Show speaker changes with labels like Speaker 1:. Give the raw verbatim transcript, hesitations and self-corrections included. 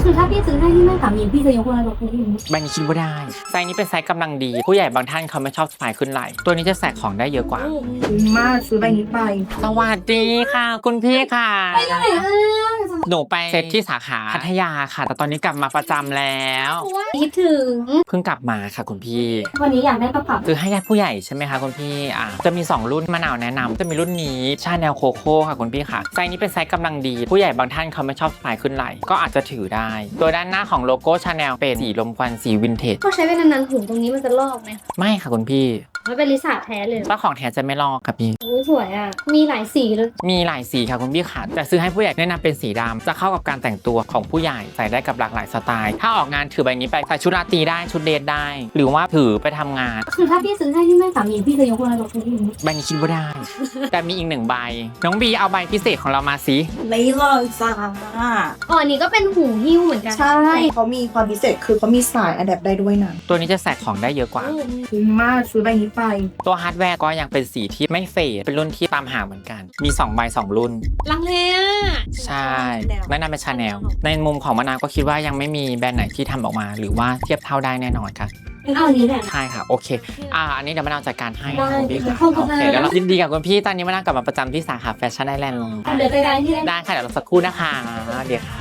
Speaker 1: คือถ้าพี่ซื้อให้ที่แม่สามีพี่จะยกอะไรกับพี่
Speaker 2: ใบนี้คิดว่าได้ไซส์นี้เป็นไซส์กำลังดีผู้ใหญ่บางท่านเขาไม่ชอบสะพายขึ้นไหล่ตัวนี้จะแสกของได้เยอะกว่า
Speaker 3: คุ้มมากซื้อใบนี้ไป
Speaker 2: สวัสดีค่ะ คุณพี่ค่ะ
Speaker 1: ไปไหนอ่ะ
Speaker 2: หนูไปเซตที่สาขาพัทยาค่ะ แต่ตอนนี้กลับมาประจำแล้ว
Speaker 1: คิดถึง
Speaker 2: เพิ่งกลับมาค่ะคุณพี่
Speaker 1: วันนี้อยากได้กระเป๋า
Speaker 2: คือให้ญาติผู้ใหญ่ใช่ไหมคะคุณพี่อ่าจะมีสองรุ่นมะนาวแนะนำจะมีรุ่นนี้ชาแนลโคโค่ค่ะคุณพี่ค่ะไซส์นี้เป็นไซส์กำลังดีผู้ใหญ่บางท่านเขาไม่ชอบสะพายขึ้นไหล่ก็อาจจะถือได้ตัวด้านหน้าของโลโก้ชาแนลเป็นสีลมควันสีวินเทจ
Speaker 1: ก็ใช้ไปนานๆหูตรงนี้มันจะลอกไหม
Speaker 2: ไม่ค่ะคุณพี่
Speaker 1: มันเป็นลิซ่าแท้เลย
Speaker 2: เจ้าของแท้จะไม่ลอกค่ะพี่
Speaker 1: โอ้สวยอ่ะมีหลายสีเลย
Speaker 2: มีหลายสีค่ะคุณพี่ค่ะแต่ซื้อให้ผู้ใหญ่แนะนำเป็นสีดำจะเข้ากับการแต่งตัวของผู้ใหญ่ใส่ได้กับหลากหลายสไตล์ถ้าออกงานถือใบนี้ไปใส่ชุดราตรีได้ชุดเดทได้ หรือว่าถือไปทำงาน
Speaker 1: คือถ้าพี่ซื้อให้ที่แม่สามีพี่จะยกอะไรกับพี่
Speaker 2: ใบนี้คิดว่าได้ แต่มีอีกหนึ่งใบน้องบีเอาใบพิเศษของเรามาสิ
Speaker 3: ไม่เลยจ้า
Speaker 1: อ๋ออันนี้ก็เป็นหูหิ้วเหมือนกัน
Speaker 3: ใช่เขามีความพิเศษคือเขามีสายอะแดปได้ด้วยนะ
Speaker 2: ตัวนี้จะแสกของได้เยอะกว่า
Speaker 3: คุ้มมากซื้อใบนี้ไป
Speaker 2: ตัวฮาร์ดแวร์ก็ยังเป็นสีที่ไม่เฟดเป็นรุ่นที่ตามหาเหมือนกันมีสองใบสองรุ่น
Speaker 1: ลังเลอ่ะ
Speaker 2: ใช่แนะนำเป็นชาแนลในมุมของมะนาวก็คิดว่ายังไม่มีแบรนด์ไหนที่ทำออกมา หรือว่าเทียบเท่าได้แน่นอนค่ะ
Speaker 1: เอาอันนี้แหละ
Speaker 2: ใช่ค่ะโอเค อ่า อันนี้เดี๋ยวมะนาวจัดการให้
Speaker 1: ได้
Speaker 2: คุณพี่ค่ะ
Speaker 1: ขอบคุณ
Speaker 2: โอเค
Speaker 1: นะ
Speaker 2: เดี๋ยวเรายินดีกับคุณพี่ตอนนี้มะนาวกลับมาประจำที่สาขาแฟชั่นไอแลนด์
Speaker 1: เดี๋ยวไปได้ที่ได้
Speaker 2: ได้ค่ะเดี๋ยวเราสักครู่นะคะเดี๋ยวค่ะ